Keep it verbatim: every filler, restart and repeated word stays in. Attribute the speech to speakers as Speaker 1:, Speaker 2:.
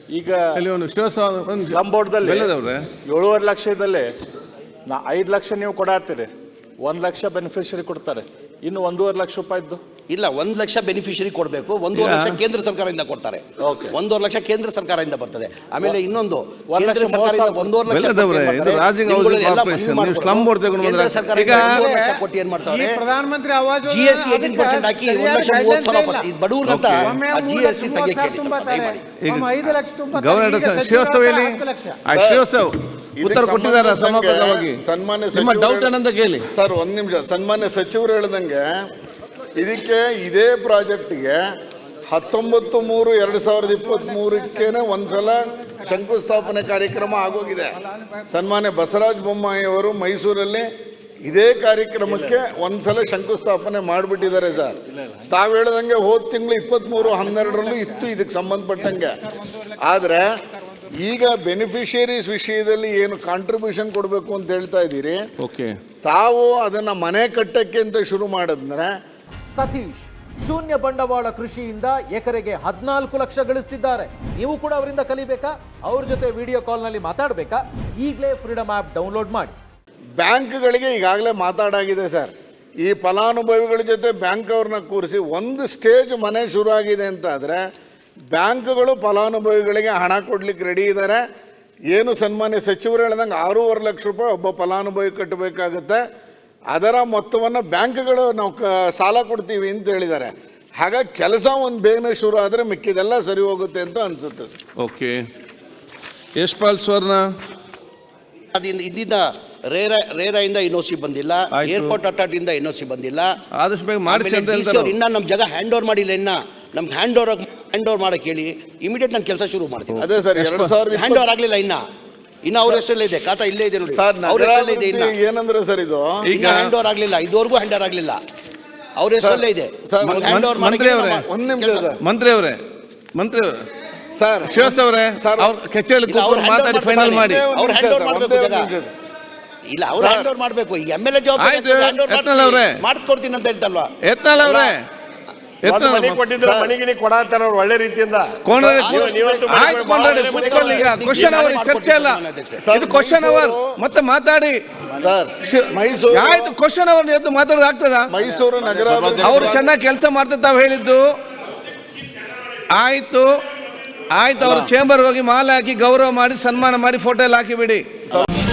Speaker 1: ಈಗ ಸ್ಲಮ್ ಬೋರ್ಡ್ದಲ್ಲಿ ಏಳುವರೆ ಲಕ್ಷದಲ್ಲಿ ನಾ ಐದು ಲಕ್ಷ ನೀವು ಕೊಡಾತ್ತೀರಿ, ಒಂದು ಲಕ್ಷ ಬೆನಿಫಿಷರಿ ಕೊಡ್ತಾರೆ, ಇನ್ನು ಒಂದೂವರೆ ಲಕ್ಷ ರೂಪಾಯಿದ್ದು
Speaker 2: ಇಲ್ಲ. ಒಂದು ಲಕ್ಷ ಬೆನಿಫಿಷರಿ ಕೊಡಬೇಕು, ಒಂದೂವರೆ ಲಕ್ಷ ಕೇಂದ್ರ ಸರ್ಕಾರದಿಂದ ಕೊಡ್ತಾರೆ. ಒಂದೂವರೆ ಲಕ್ಷ ಕೇಂದ್ರ ಸರ್ಕಾರದಿಂದ ಬರ್ತದೆ. ಆಮೇಲೆ ಇನ್ನೊಂದು ಕೇಂದ್ರ ಸರ್ಕಾರದಿಂದ ಒಂದೂವರೆ ಲಕ್ಷ ಕೊಟ್ಟು ಏನ್ ಮಾಡ್ತಾರೆ,
Speaker 3: Pradhanmantri Awas
Speaker 2: G S T eighteen percent ಹಾಕಿ ಒಂದು ಲಕ್ಷ ಮೂವತ್ತು ಸಾವಿರ ಬಡವ್ರಿಗಂತ ಜಿ ಎಸ್ ಟಿ ತೆಗೆಯಕ್ಕೆ
Speaker 4: ಉತ್ತರ ಕೊಟ್ಟಿದ್ದಾರೆ ಸಮರ್ಪಕವಾಗಿ. ನಿಮ್ಮ ಡೌಟ್ ಏನಂತ ಕೇಳಿ
Speaker 5: ಸರ್. ಒಂದ್ ನಿಮಿಷ. ಸನ್ಮಾನ್ಯ ಸಚಿವರು ಹೇಳ್ದಂಗೆ ಇದಕ್ಕೆ ಇದೇ ಪ್ರಾಜೆಕ್ಟ್ಗೆ ಹತ್ತೊಂಬತ್ತು ಮೂರು ಎರಡು ಸಾವಿರದ ಇಪ್ಪತ್ತ್ ಮೂರಕ್ಕೇನೆ ಒಂದ್ಸಲ ಶಂಕುಸ್ಥಾಪನೆ ಕಾರ್ಯಕ್ರಮ ಆಗೋಗಿದೆ. ಸನ್ಮಾನ್ಯ ಬಸವರಾಜ ಬೊಮ್ಮಾಯಿ ಅವರು ಮೈಸೂರಲ್ಲಿ ಇದೇ ಕಾರ್ಯಕ್ರಮಕ್ಕೆ ಒಂದ್ಸಲ ಶಂಕುಸ್ಥಾಪನೆ ಮಾಡಿಬಿಟ್ಟಿದ್ದಾರೆ ಸರ್. ತಾವು ಹೇಳ್ದಂಗೆ ಹೋದ ತಿಂಗಳು ಇಪ್ಪತ್ತ್ಮೂರು ಹನ್ನೆರಡರಲ್ಲೂ ಇತ್ತು ಇದಕ್ಕೆ ಸಂಬಂಧಪಟ್ಟಂಗೆ. ಆದರೆ ಈಗ ಬೆನಿಫಿಷಿಯರೀಸ್ ವಿಷಯದಲ್ಲಿ ಏನು ಕಾಂಟ್ರಿಬ್ಯೂಷನ್ ಕೊಡಬೇಕು ಅಂತ ಹೇಳ್ತಾ ಇದ್ದೀರಿ, ತಾವು ಅದನ್ನ ಮನೆ ಕಟ್ಟಕ್ಕೆ ಅಂತ ಶುರು ಮಾಡಿದ್ರೆ.
Speaker 6: ಸತೀಶ್ ಶೂನ್ಯ ಬಂಡವಾಳ ಕೃಷಿಯಿಂದ ಎಕರೆಗೆ ಹದಿನಾಲ್ಕು ಲಕ್ಷ ಗಳಿಸ್ತಿದ್ದಾರೆ. ನೀವು ಕೂಡ ಅವರಿಂದ ಕಲಿಬೇಕಾ? ಅವ್ರ ಜೊತೆ ವಿಡಿಯೋ ಕಾಲ್ನಲ್ಲಿ ಮಾತಾಡಬೇಕಾ? ಈಗಲೇ ಫ್ರೀಡಮ್ ಆ್ಯಪ್ ಡೌನ್ಲೋಡ್ ಮಾಡಿ.
Speaker 5: ಬ್ಯಾಂಕ್ಗಳಿಗೆ ಈಗಾಗಲೇ ಮಾತಾಡಾಗಿದೆ ಸರ್. ಈ ಫಲಾನುಭವಿಗಳ ಜೊತೆ ಬ್ಯಾಂಕ್ ಅವ್ರನ್ನ ಕೂರಿಸಿ ಒಂದು ಸ್ಟೇಜ್ ಮನೆ ಶುರು ಆಗಿದೆ ಅಂತ ಆದರೆ ಬ್ಯಾಂಕ್ಗಳು ಫಲಾನುಭವಿಗಳಿಗೆ ಹಣ ಕೊಡ್ಲಿಕ್ಕೆ ರೆಡಿ ಇದ್ದಾರೆ. ಏನು ಸನ್ಮಾನ್ಯ ಸಚಿವರು ಹೇಳ್ದಂಗೆ ಆರೂವರೆ ಲಕ್ಷ ರೂಪಾಯಿ ಒಬ್ಬ ಫಲಾನುಭವಿ ಕಟ್ಟಬೇಕಾಗುತ್ತೆ. ಅದರ ಮೊತ್ತವನ್ನು ಬ್ಯಾಂಕ್ಗಳು ನಾವು ಕ ಸಾಲ ಕೊಡ್ತೀವಿ ಅಂತ ಹೇಳಿದ್ದಾರೆ. ಹಾಗಾಗಿ ಕೆಲಸ ಒಂದು ಬೇಗನೆ ಶುರು ಆದರೆ ಮಿಕ್ಕಿದೆಲ್ಲ ಸರಿ ಹೋಗುತ್ತೆ ಅಂತ ಅನಿಸುತ್ತೆ.
Speaker 4: ಓಕೆ, ಯಶ್ಪಾಲ್ ಸ್ವರ್ಣ.
Speaker 2: ಅದಿಂದ ಇಂದಿನ ರೇರ ರೇರಾಯಿಂದ ಎನ್ ಒ ಸಿ ಬಂದಿಲ್ಲ, ಏರ್ಪೋರ್ಟ್ ಅಥಾರಿಟಿಯಿಂದ ಎನ್ ಒ ಸಿ ಬಂದಿಲ್ಲ.
Speaker 4: ಆದಷ್ಟು ಬೇಗ ಮಾಡಿಸಿ ಅಂತ
Speaker 2: ಹೇಳ್ತಾರೆ. ಇನ್ನ ನಮ್ಮ ಜಾಗ ಹ್ಯಾಂಡ್ ಓವರ್ ಮಾಡಿಲ್ಲ. ಇನ್ನ ನಮ್ಗೆ ಹ್ಯಾಂಡ್ ಓವರ್ ಹ್ಯಾಂಡ್ ಓವರ್ ಮಾಡಕ್ಕೆ ಹೇಳಿ, ಇಮಿಡಿಯೇಟ್ ನಾನು ಕೆಲಸ ಶುರು ಮಾಡ್ತೀನಿ.
Speaker 5: ಅದೇ ಸರ್, ಎರಡು ಸಾವಿರದ
Speaker 2: ಹ್ಯಾಂಡ್ ಓವರ್ ಆಗಲಿಲ್ಲ. ಇನ್ನ ಇನ್ನು ಅವ್ರ ಹೆಸರಲ್ಲೇ ಇದೆ, ಖಾತಾ ಇಲ್ಲೇ ಇದೆ ನೋಡಿ
Speaker 5: ಸರ್.
Speaker 2: ಅವ್ರ ಹೆಸರಲ್ಲೇ ಇದೆ. ಇನ್ನ
Speaker 5: ಏನಂದ್ರೆ ಸರ್, ಇದು
Speaker 2: ಈಗ ಹ್ಯಾಂಡ್ ಓವರ್ ಆಗಲಿಲ್ಲ, ಇದುವರೆಗೂ ಹ್ಯಾಂಡ್ ಓವರ್ ಆಗಲಿಲ್ಲ, ಅವ್ರ ಹೆಸರಲ್ಲೇ ಇದೆ. ಹ್ಯಾಂಡ್ ಓವರ್
Speaker 4: ಮಂತ್ರಿ ಅವರೇ,
Speaker 5: ಒಂದು ನಿಮಿಷ ಸರ್.
Speaker 4: ಮಂತ್ರಿ ಅವರೇ ಮಂತ್ರಿ ಅವರೇ
Speaker 5: ಸರ್
Speaker 4: ಶಿವಸ್ ಅವರೇ ಸರ್, ಅವ್ರ ಕಚೇರಿ ಕೂತ್ಕೊಂಡು ಮಾತಾಡಿ ಫೈನಲ್ ಮಾಡಿ.
Speaker 2: ಅವ್ರು ಹ್ಯಾಂಡ್ ಓವರ್ ಮಾಡಬೇಕು ಇಲ್ಲ, ಅವ್ರು ಹ್ಯಾಂಡ್ ಓವರ್ ಮಾಡಬೇಕು. ಈಗ ಎಮ್ ಎಲ್ ಎ ಜವಾಬ್ದಾರಿ ಮಾಡ್ಕೊಡ್ತೀನಿ ಅಂತ ಹೇಳ್ತಲ್ವಾ
Speaker 4: ಯತ್ನಾಳ್ ಅವರೇ?
Speaker 1: ಮನೆಗೆ ಕೊಡಾತಾರ ಒಳ್ಳೆ ರೀತಿಯಿಂದ.
Speaker 4: ಕ್ವಶನ್ ಅವರ್ ಚರ್ಚೆ ಅಲ್ಲ, ಇದು ಕ್ವಶನ್ ಅವರ್. ಮತ್ತೆ ಮಾತಾಡಿ
Speaker 5: ಸರ್. ಮೈಸೂರು
Speaker 4: ಆಯ್ತು, ಕ್ವಶನ್ ಅವರ್ ಎದ್ದು ಮಾತಾಡೋದು ಆಗ್ತದ?
Speaker 5: ಮೈಸೂರು ನಗರ
Speaker 4: ಅವ್ರು ಚೆನ್ನಾಗಿ ಕೆಲಸ ಮಾಡ್ತಾ ತಾವು ಹೇಳಿದ್ದು ಆಯ್ತು ಆಯ್ತು. ಅವ್ರ ಚೇಂಬರ್ ಹೋಗಿ ಮಾಲೆ ಹಾಕಿ ಗೌರವ ಮಾಡಿ ಸನ್ಮಾನ ಮಾಡಿ ಫೋಟೋ ಎಲ್ಲ ಹಾಕಿ ಬಿಡಿ.